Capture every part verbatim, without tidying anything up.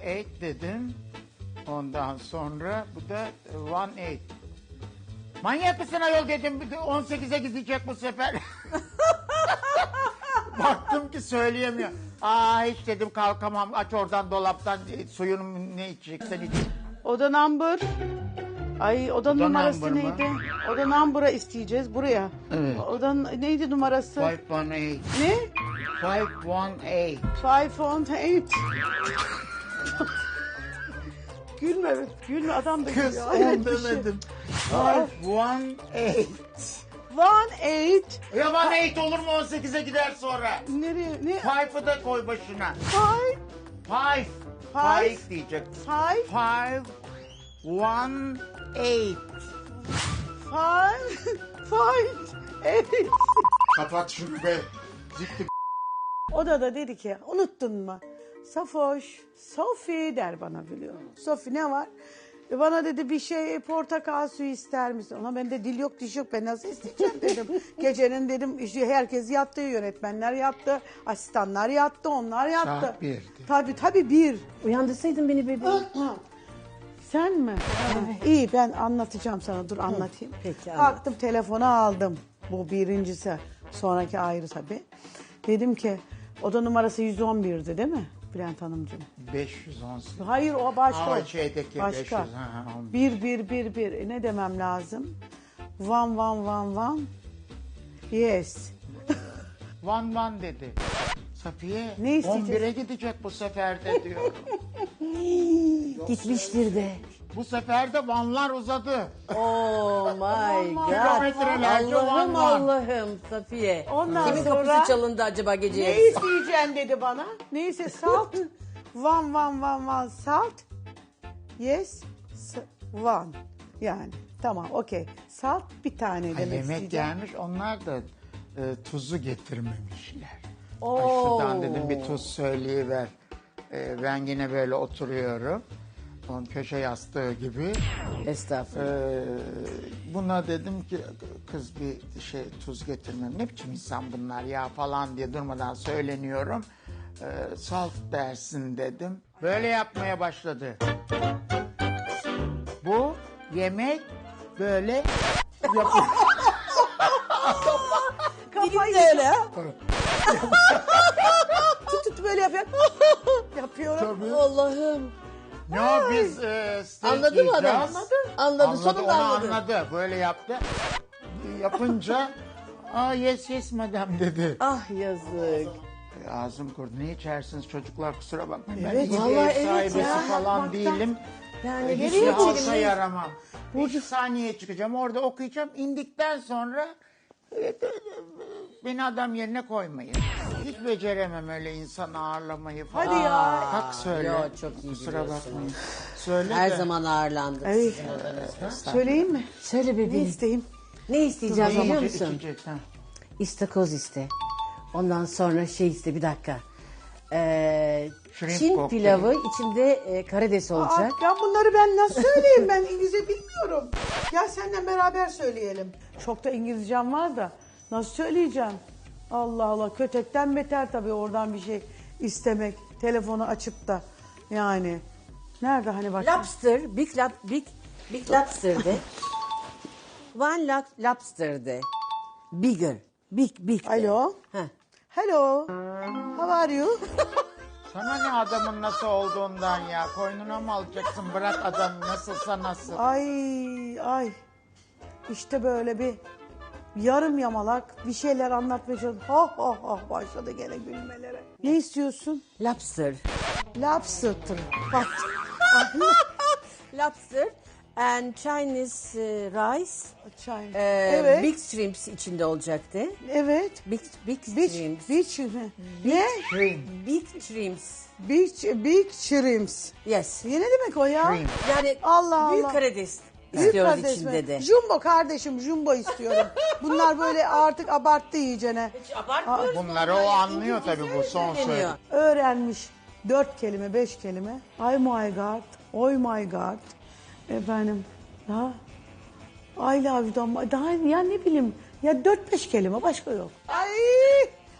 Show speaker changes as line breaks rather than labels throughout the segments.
eight dedim. Ondan sonra bu da one eight. Manyak mısın ayol dedim. on sekize gidecek bu sefer. Baktım ki söyleyemiyor. Aa hiç dedim kalkamam. Aç oradan dolaptan suyunu ne içeceksen iç.
Oda number. Ay oda,
Oda
numarası
number mı?
neydi? Oda number'a isteyeceğiz buraya.
Evet.
Oda neydi numarası?
five one eight.
Ne?
five one eight.
Five on eight. Gülme, gülme adam da
Kız
gülüyor. Hayret
on
bir şey.
demedim. five one eight.
One eight.
Ya one eight olur mu on sekize gider sonra?
Nereye? Ne?
Five'ı da koy başına.
Five.
Five.
Five.
Five diyecek.
Five.
Five. One. Eight.
Five. Five. Eight.
Kapat şunu be. Zikti.
O da da dedi ki unuttun mu? Safoş, Sofi der bana biliyor. Sofi ne var? E bana dedi bir şey portakal suyu ister misin? Ona ben de dil yok diş yok ben nasıl isteyeceğim dedim. Gecenin dedim işte herkes yattı, yönetmenler yattı, asistanlar yattı, onlar yattı.
Saat birdi.
Tabii tabii bir.
Uyandırsaydın beni bebeğim.
Sen mi? İyi ben anlatacağım sana dur anlatayım.
Peki, anlat.
Kalktım telefonu aldım. Bu birincisi. Sonraki ayrı tabii. Dedim ki oda numarası yüz on birdi değil mi Bülent Hanımcığım?
beş yüz on sekiz.
Hayır o başka.
Ama
o.
şeydeki
başka.
beş yüz, ha, on.
Bir bir bir bir. E, ne demem lazım? One one one one. Yes.
One one dedi. Safiye
Ne isteyeceğiz?
on bire gidecek bu sefer de diyor.
Gitmiştir de.
Bu sefer de vanlar uzadı.
Oh my god.
Kilometrelerce
Allah'ım
van van.
Allah'ım Safiye.
Ondan
Kimin
sonra-
kapısı çalındı acaba gece
Ne
yarısı?
isteyeceksin dedi bana. Neyse salt. One one one one salt. Yes. s- One. Yani tamam okey. Salt bir tane
Ay,
demek
yemek
isteyeceğim.
gelmiş onlar da e, tuzu getirmemişler. Ay
Oo.
şuradan dedim bir tuz söyleyiver. E, ben yine böyle oturuyorum. Onun köşe yastığı gibi.
Estağfurullah.
E, buna dedim ki kız bir şey tuz getirmem. Ne biçim insan bunlar ya falan diye durmadan söyleniyorum. E, salt dersin dedim. Böyle yapmaya başladı. Bu yemek böyle yapıyor.
Kafayı
de öyle ha.
tut tut böyle yapıyor. Yapıyorum.
Tabii.
Allah'ım.
Ne o biz e, steak
Anladı mı adam?
yiyeceğiz.
Anladı. Anladı, sonunda
onu
anladı.
anladı. Böyle yaptı. Yapınca aa yes yes madam dedi.
Ah yazık.
E, Ağzım kurudu. Ne içersiniz çocuklar kusura bakmayın.
Evet,
ben iyi bir
vallahi
ev
evet
sahibesi
ya.
falan
Bakmaktan-
değilim.
Yani
E, Hiç
nereye
de alsa
gidelim?
yaramam. İki saniye çıkacağım orada okuyacağım. İndikten sonra e, beni adam yerine koymayın. Hiç beceremem öyle insan ağırlamayı falan.
Hadi ya.
Kalk söyle.
Yo, çok iyi
Kusura
biliyorsun.
bakmayın. Söyle
Her
de.
zaman ağırlandık.
Ay, söyleyeyim mi?
Söyle
Ne
bebeğim.
isteyeyim?
Ne isteyeceğim
Ne
biliyor
içecek,
musun?
içecek, ha?
İstakoz iste. Ondan sonra şey iste bir dakika. Ee,
Shrimp
Çin
kokteyl.
pilavı içinde e, karides
Aa,
olacak.
ya bunları ben nasıl söyleyeyim? Ben İngilizce bilmiyorum. Gel seninle beraber söyleyelim. Çok da İngilizcem var da nasıl söyleyeceğim? Allah Allah kötekten beter tabii oradan bir şey istemek. Telefonu açıp da yani. Nerede hani bak.
Lobster, big, lab, big, big lobster de. One lo- lobster de. Bigger, big, big de.
Alo.
Heh.
Hello. How are you?
Sana ne adamın nasıl olduğundan ya. Koynuna mı alacaksın? Bırak adam nasılsa nasıl.
Ay ay. İşte böyle bir yarım yamalak bir şeyler anlatmaya çalışıyor. Ha ha ha başladı gene gülmelere. Ne istiyorsun?
Lobster.
Lobster. Bak.
Lobster and Chinese e, rice.
Çay.
e,
evet.
Big shrimps içinde olacaktı.
Evet.
Big, big
Beach,
shrimps.
beach, mi? Ne?
Shrimp.
Big shrimps.
Beach, beach shrimps.
Yes.
Ne demek o ya?
Shrimp.
Yani
Allah
büyük
Allah.
karides
Büyük
istiyoruz
kardeş mi?
içinde de.
Jumbo kardeşim, jumbo istiyorum. Bunlar böyle artık abarttı iyicene.
Abartmıyoruz.
Bunları o anlıyor tabii bu son söyledi.
söyleniyor.
Öğrenmiş dört kelime, beş kelime. Ay my god, oy my god. Efendim, daha I love you'dan, daha ya ne bileyim ya dört beş kelime başka yok. Ay,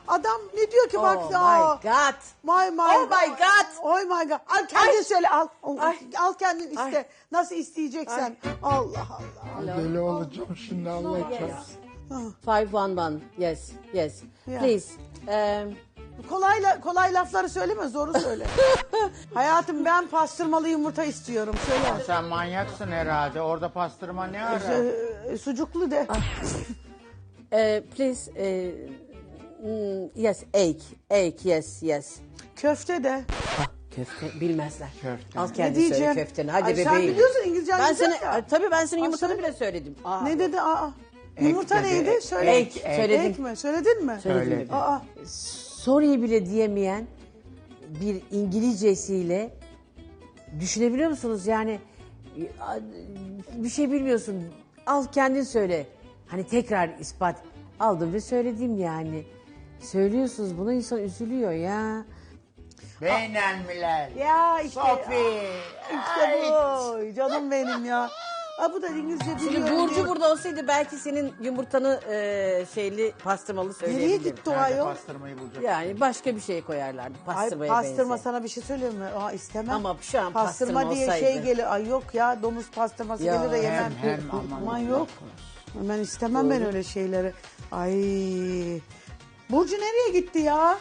Adam ne diyor ki bak.
Oh
aa,
my God.
My, my,
Oh my God.
Oh my God. Al kendin
Ay.
söyle al.
Ay.
Al kendin iste.
Ay.
Nasıl isteyeceksen. Allah Allah.
Deli olacağım şimdi Allah çarpsın.
Five one one. Yes, yes.
Yeah.
Please. Um,
Kolay, la- kolay lafları söyleme, zoru söyle. Hayatım ben pastırmalı yumurta istiyorum. Söyle.
Sen manyaksın herhalde. Orada pastırma ne ara?
Ee, sucuklu de.
uh, please. Uh, mm, yes, egg. Egg, yes, yes.
Köfte de.
Ah, köfte bilmezler.
Köfte.
Al
Ne
kendi söyle
diyeceğim?
köfteni. Hadi
Ay,
bebeğim.
sen biliyorsun İngilizcen
Ben
güzel
sana,
ya.
Ay, tabii ben senin
Ay,
yumurtanı
söyle.
bile söyledim. Aa,
Ne dedi? Aa. Yumurta
dedi,
neydi?
ek,
Söyle.
ek, söyledim.
Ek mi? Söyledin mi?
Söyledi.
Aa.
Sorry bile diyemeyen bir İngilizcesiyle düşünebiliyor musunuz? Yani bir şey bilmiyorsun. Al kendin söyle. Hani tekrar ispat. Aldım ve söyledim yani. Söylüyorsunuz bunu, insan üzülüyor ya.
Beynelmiler.
Ya işte.
Sofi.
İşte bu. Canım benim ya. Aa, bu da İngilizce biliyor.
Şimdi Burcu
diyor.
burada olsaydı belki senin yumurtanı e, şeyli pastırmalı
Nereye
söyleyebilirdim.
gitti o
Nerede
ayol?
pastırmayı bulacak?
Yani başka bir şey koyarlardı.
Ay
Pastırmaya
pastırma
benzer.
sana bir şey söyleyeyim mi? Aa istemem.
Ama şu an
pastırma
pastırma
diye
olsaydı.
şey gelir. Ay yok ya domuz pastırması
Ya,
gelir de yemem.
hem, hem, aman
Aman
Allah
yok. Ben istemem ben öyle şeyleri. Ay. Burcu nereye gitti ya?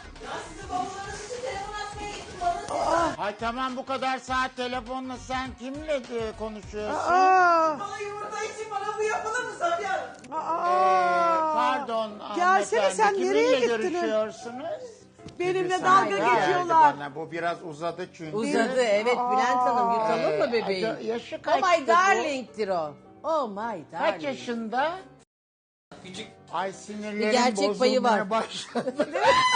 Ay tamam bu kadar saat telefonla sen kimle e, konuşuyorsun?
Aa.
Bana yumurta için bana bu yapılır mı Safiye Hanım?
Aa.
Pardon
Gelsene
hanımefendi,
sen nereye
kiminle
gittin?
görüşüyorsunuz?
Benimle
Birisi
dalga
geldi
geçiyorlar.
bana. Bu biraz uzadı çünkü.
Uzadı evet Bülent Hanım, yutalım mı bebeğim?
Ee, yaşı
Oh
kaçtı
my
bu?
darling'tir o. Oh my darling.
Kaç yaşında?
Küçük.
Ay sinirlerim
Bir gerçek payı var.
bozulmaya başladı.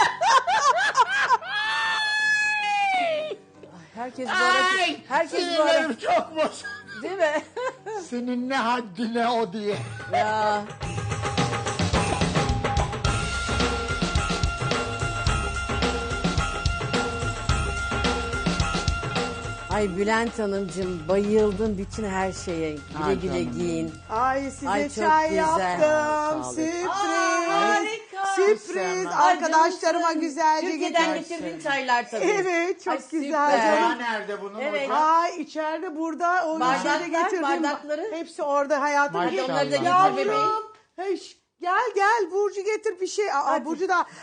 Herkes bu arada,
Ay
herkes bu
sinirlerim
arada,
çok bozuldu.
değil mi?
Senin ne haddine o diye.
Ya. Ay Bülent Hanımcığım bayıldım bütün her şeye. Güle
Ay
güle
canım.
giyin.
Ay size
Ay, çok
çay
güzel.
yaptım.
Sağ olun.
Sürpriz.
harika.
Sürpriz.
Ay,
Arkadaşlarıma güzelce
Türkiye'den
getirdim.
getirdiğin çaylar tabii.
Evet çok
Ay,
güzel
süper.
canım.
Ya nerede bunun
Evet.
hocam?
Ay içeride burada o
Bardaklar,
şeyde getirdim.
bardakları.
Hepsi orada hayatım.
Maşallah.
Hadi onları da getir
Yavrum.
bebeğim.
Heş, gel gel Burcu getir bir şey. Aa,
Hadi.
Burcu da. Ay,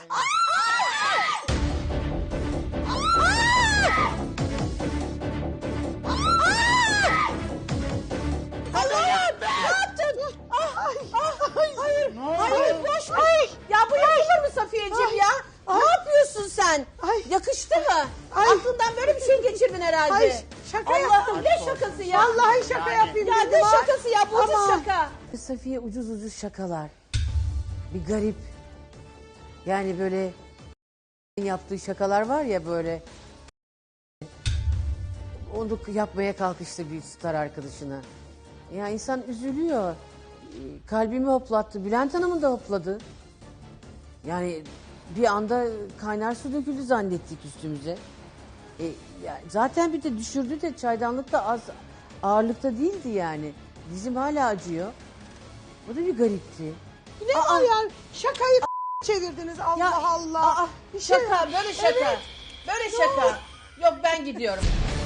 Allah'ım ne yaptın? Ay, ay, hayır.
Ne oldu?
Hayır boş ver. Ya bu yapılır mı Safiyeciğim
Ay,
ya?
ay.
Ne yapıyorsun sen?
Ay.
Yakıştı mı?
Ay.
Aklından böyle bir şey geçirdin herhalde.
Ay, şaka
Allah'ım
yaptım.
ne şakası ya?
Vallahi şaka
Yani.
yapayım
Ya
dedim.
ne
ha.
şakası ya? Bu ucuz
Aman.
şaka. Safiye ucuz ucuz şakalar. Bir garip. Yani böyle yaptığı şakalar var ya böyle. Onu yapmaya kalkıştı bir star arkadaşına. Ya insan üzülüyor. Kalbimi hoplattı. Bülent Hanım'ın da hopladı. Yani bir anda kaynar su döküldü zannettik üstümüze. E, ya zaten bir de düşürdü de çaydanlık da az ağırlıkta değildi yani. Dizim hala acıyor. O da bir garipti.
Ne var ya? Şakayı çevirdiniz Allah
Ya,
Allah.
aa,
Bir şey-
şaka, böyle şaka.
Evet.
Böyle şaka. Yok ben gidiyorum.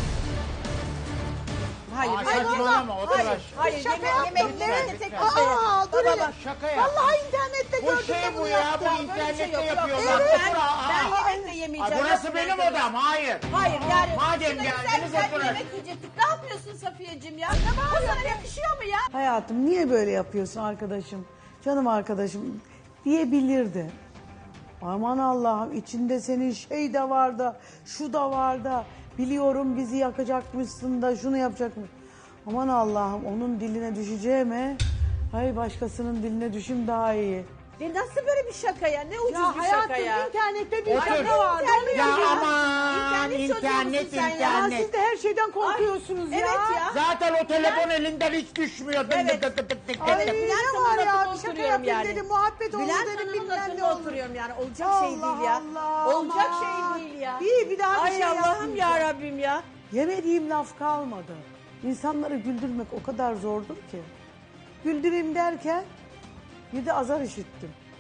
Hayır,
Ay,
hayır,
saçmalama, otur
hayır,
aşağı.
hayır,
Şaka
yeme,
yaptım,
yemeği
evet.
yemeği tek
Lütfen.
başına.
Aa, dur
Baba,
hele.
bak,
Şaka yaptım.
Vallahi internette
Bu
gördüm
şey
de
bu
bunu
ya,
yaptım.
bu internette
yok, yok,
yapıyorlar.
yok. Ben,
Otur, aa.
ben yemek de
Ay,
yemeyeceğim.
burası
Yok,
benim
ben-
odam, hayır.
Hayır yani.
Madem
şurada
geldiniz,
güzel güzel bir
oturun.
yemek yiyecektik. Ne yapıyorsun Safiyeciğim ya? Bu sana yakışıyor mu ya?
Hayatım niye böyle yapıyorsun arkadaşım? Canım arkadaşım diyebilirdi. Aman Allah'ım içinde senin şey de var da şu da var da biliyorum bizi yakacakmışsın da şunu yapacakmış. Aman Allah'ım onun diline düşeceğime hay başkasının diline düşüm daha iyi.
E nasıl böyle bir şaka ya? Ne ucuz
Ya
bir şaka
hayatım
ya?
internette bir
Otur.
şaka vardı.
İnternet
Ya
ya.
aman
İnternet çocuğu
internet
musun sen ya?
Ya
internet.
siz de her şeyden korkuyorsunuz ya.
Evet ya.
Zaten o telefon elinden hiç düşmüyor. Dık
Evet.
dık dık dık dık.
Ay,
Evet,
ne
Bülent
var
Hanım'ın
ya,
lafına
bir şaka
oturuyorum
yapayım
yani.
dedim, muhabbet olur
Bülent
dedim,
Hanım'ın
bilmem ne
lafına
olur.
oturuyorum yani. Olacak şey
Allah
değil ya.
Allah,
Olacak
aman.
şey değil ya.
İyi, bir daha bir
Ay
şey
Allah'ım
yapmayacağım.
ya Rabbim ya.
Yemediğim laf kalmadı. İnsanları güldürmek o kadar zordur ki. Güldüreyim derken bir de azar işittim.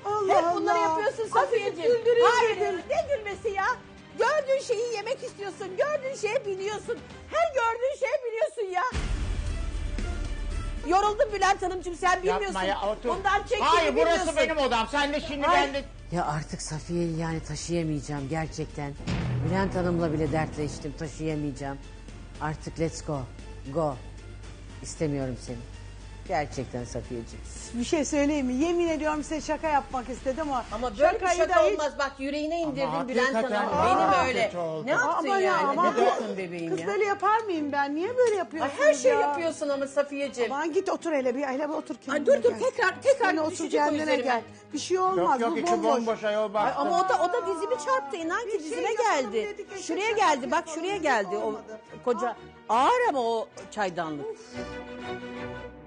Allah
Hep bunları
Allah.
yapıyorsun
Azıcık
Safiyeciğim.
güldüreyim
Hayır
dedim.
ne gülmesi ya? Gördüğün şeyi yemek istiyorsun. Gördüğün şeye biniyorsun. Her gördüğün şeye biniyorsun ya. Yoruldum Bülent Hanımcığım sen bilmiyorsun.
Yapma ya, otur.
Bundan çektiğini
Hayır burası
bilmiyorsun.
benim odam. Sen de şimdi
Ay.
ben de...
Ya artık Safiye'yi yani taşıyamayacağım gerçekten. Bülent Hanım'la bile dertleştim, taşıyamayacağım. Artık let's go, go. İstemiyorum seni. Gerçekten Safiyeciğim.
Bir şey söyleyeyim mi? Yemin ediyorum size şaka yapmak istedim ama.
Ama böyle bir
şakayı
şaka
da hiç-
olmaz. Bak yüreğine indirdin
Ama
Bülent
hakikaten
Hanım.
aa,
Benim öyle.
kötü oldu.
Ne yaptın
Ama ya,
yani?
ama
ne
bu-
yaptın bebeğim
Kız
ya?
böyle yapar mıyım ben? Niye böyle
Ay,
yapıyorsunuz
her şey
ya?
yapıyorsun ama Safiyeciğim.
Aman git otur hele bir hele bir otur kendine
Ay, dur dur
gel.
tekrar tekrar
Sen otur
düşecek
kendine
o üzerime.
gel. Bir şey olmaz
Yok yok
bu
içi
bomboş.
bomboş ayol
Ay,
bak.
ama o da o da dizimi çarptı inan ki
Bir şey
dizime
yapalım
geldi.
dedik, eşek
Şuraya
şakası
geldi bak
yapalım
şuraya
dedik,
geldi o
olmadı.
koca ağır ama o çaydanlık.